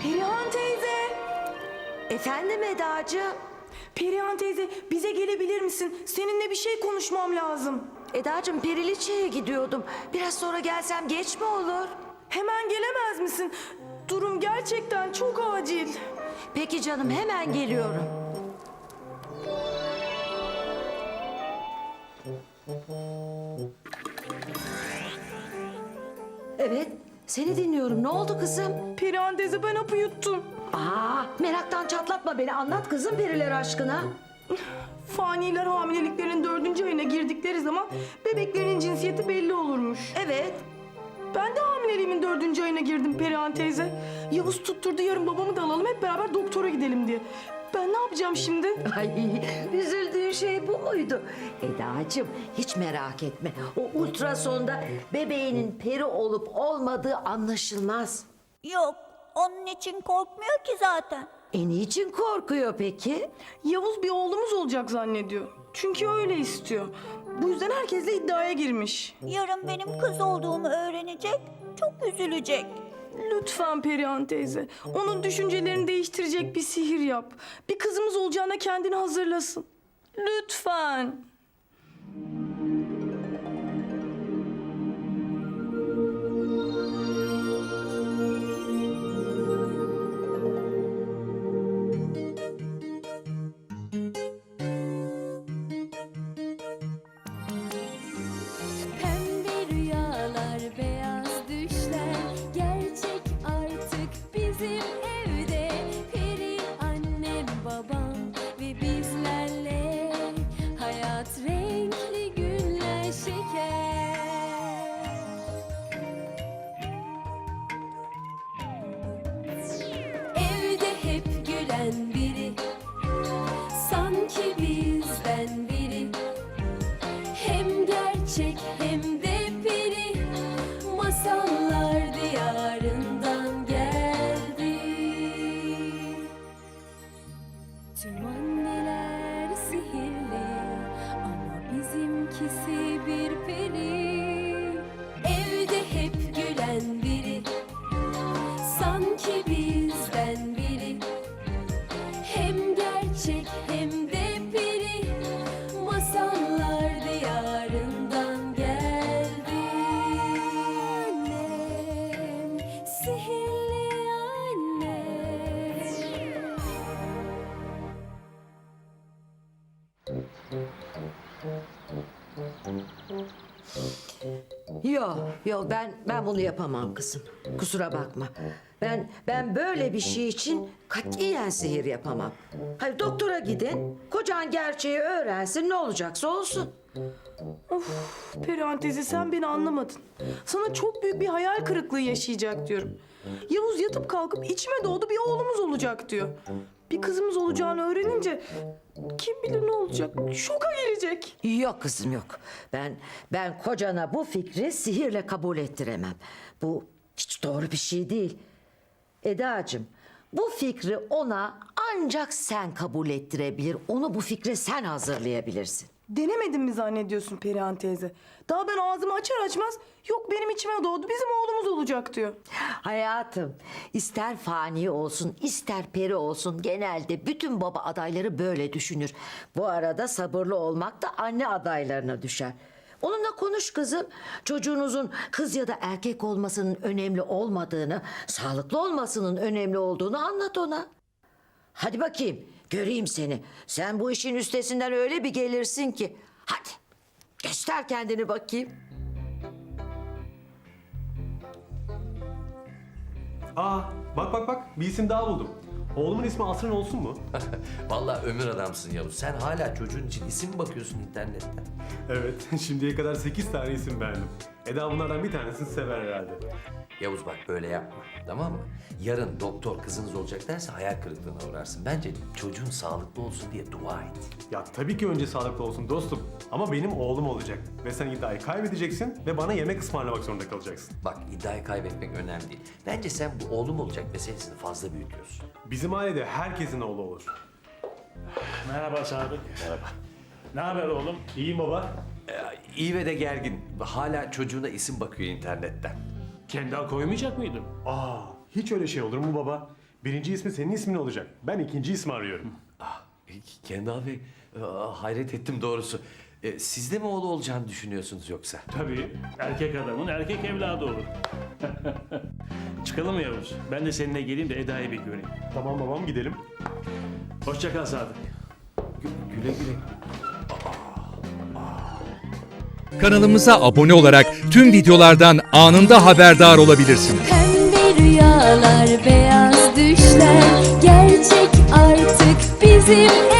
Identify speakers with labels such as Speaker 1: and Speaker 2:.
Speaker 1: Perihan teyze!
Speaker 2: Efendim Edacığım?
Speaker 1: Perihan teyze bize gelebilir misin? Seninle bir şey konuşmam lazım.
Speaker 2: Edacığım Periliçe'ye gidiyordum. Biraz sonra gelsem geç mi olur?
Speaker 1: Hemen gelemez misin? Durum gerçekten çok acil.
Speaker 2: Peki canım hemen geliyorum. Evet, seni dinliyorum. Ne oldu kızım?
Speaker 1: Perihan teyze ben hapı yuttum.
Speaker 2: Meraktan çatlatma beni. Anlat kızım periler aşkına.
Speaker 1: Faniler hamileliklerin 4. ayına girdikleri zaman bebeklerin cinsiyeti belli olurmuş.
Speaker 2: Evet.
Speaker 1: Ben de hamileliğimin 4. ayına girdim Perihan teyze. Yavuz tutturdu yarın babamı da alalım hep beraber doktora gidelim diye. Ben ne yapacağım şimdi?
Speaker 2: Ay, üzüldüğün şey bu muydu? Edacığım hiç merak etme. O ultrasonda bebeğinin peri olup olmadığı anlaşılmaz.
Speaker 3: Yok, onun için korkmuyor ki zaten.
Speaker 2: Niçin korkuyor peki?
Speaker 1: Yavuz bir oğlumuz olacak zannediyor. Çünkü öyle istiyor. Bu yüzden herkesle iddiaya girmiş.
Speaker 3: Yarın benim kız olduğumu öğrenecek, çok üzülecek.
Speaker 1: Lütfen Perihan teyze, onun düşüncelerini değiştirecek bir sihir yap. Bir kızımız olacağına kendini hazırlasın. Lütfen.
Speaker 4: Pembe rüyalar, beyaz düşler gerçek artık bizim evde. Peri annem, babam ve bizlerle hayat renkli günler şeker. Evde hep gülen biri, sanki bizden biri. Hem gerçek hem de peri, masallar diyarından geldi. Tüm anneler sihirli ama bizimkisi bir peri. Evde hep gülen biri, sanki bizden biri. Hem gerçek hem de peri, masallar diyarından geldi. Annem, sihirli annem.
Speaker 2: Yok ben bunu yapamam kızım. Kusura bakma. Ben böyle bir şey için katiyen sihir yapamam. Hadi doktora gidin. Kocan gerçeği öğrensin, ne olacaksa olsun.
Speaker 1: Perihan teyze sen beni anlamadın. Sana çok büyük bir hayal kırıklığı yaşayacak diyorum. Yavuz yatıp kalkıp içime doğdu bir oğlumuz olacak diyor. Bir kızımız olacağını öğrenince kim bilir ne olacak? Şoka girecek.
Speaker 2: Yok kızım yok. Ben kocana bu fikri sihirle kabul ettiremem. Bu hiç doğru bir şey değil. Edacığım, bu fikri ona ancak sen kabul ettirebilir. Onu bu fikre sen hazırlayabilirsin.
Speaker 1: Denemedin mi zannediyorsun Perihan teyze? Daha ben ağzımı açar açmaz yok benim içime doğdu bizim oğlumuz olacak diyor.
Speaker 2: Hayatım, ister fani olsun, ister peri olsun genelde bütün baba adayları böyle düşünür. Bu arada sabırlı olmak da anne adaylarına düşer. Onunla konuş kızım. Çocuğunuzun kız ya da erkek olmasının önemli olmadığını, sağlıklı olmasının önemli olduğunu anlat ona. Hadi bakayım, göreyim seni. Sen bu işin üstesinden öyle bir gelirsin ki. Hadi, göster kendini bakayım.
Speaker 5: Bak bir isim daha buldum. Oğlumun ismi Asrın olsun mu?
Speaker 6: Vallahi ömür adamsın Yavuz. Sen hala çocuğun için isim mi bakıyorsun internetten?
Speaker 5: Evet, şimdiye kadar 8 tane isim beğendim. Eda bunlardan bir tanesini sever herhalde.
Speaker 6: Yavuz bak böyle yapma, tamam mı? Yarın doktor kızınız olacak derse hayal kırıklığına uğrarsın. Bence çocuğun sağlıklı olsun diye dua et.
Speaker 5: Ya tabii ki önce sağlıklı olsun dostum. Ama benim oğlum olacak. Ve sen iddiayı kaybedeceksin ve bana yemek ısmarlamak zorunda kalacaksın.
Speaker 6: Bak iddiayı kaybetmek önemli değil. Bence sen bu oğlum olacak meselesini fazla büyütüyorsun.
Speaker 5: Bizim ailede herkesin oğlu olur.
Speaker 7: Merhaba Sadık. Merhaba. Ne haber oğlum?
Speaker 5: İyiyim baba.
Speaker 6: İyi ve de gergin. Hala çocuğuna isim bakıyor internetten.
Speaker 7: Kendi koymayacak mıydın?
Speaker 5: Hiç öyle şey olur mu baba? Birinci ismi senin ismin olacak. Ben ikinci ismi arıyorum.
Speaker 6: Kendal Bey, hayret ettim doğrusu. Siz de mi oğlu olacağını düşünüyorsunuz yoksa?
Speaker 7: Tabii erkek adamın erkek evladı olur. Çıkalım mı Yavuz? Ben de seninle geleyim de Eda'yı bir göreyim.
Speaker 5: Tamam babam, gidelim.
Speaker 7: Hoşça kal Sadık.
Speaker 6: Güle güle.
Speaker 8: Kanalımıza abone olarak tüm videolardan anında haberdar olabilirsiniz.
Speaker 4: Pembe rüyalar, beyaz düşler gerçek artık bizim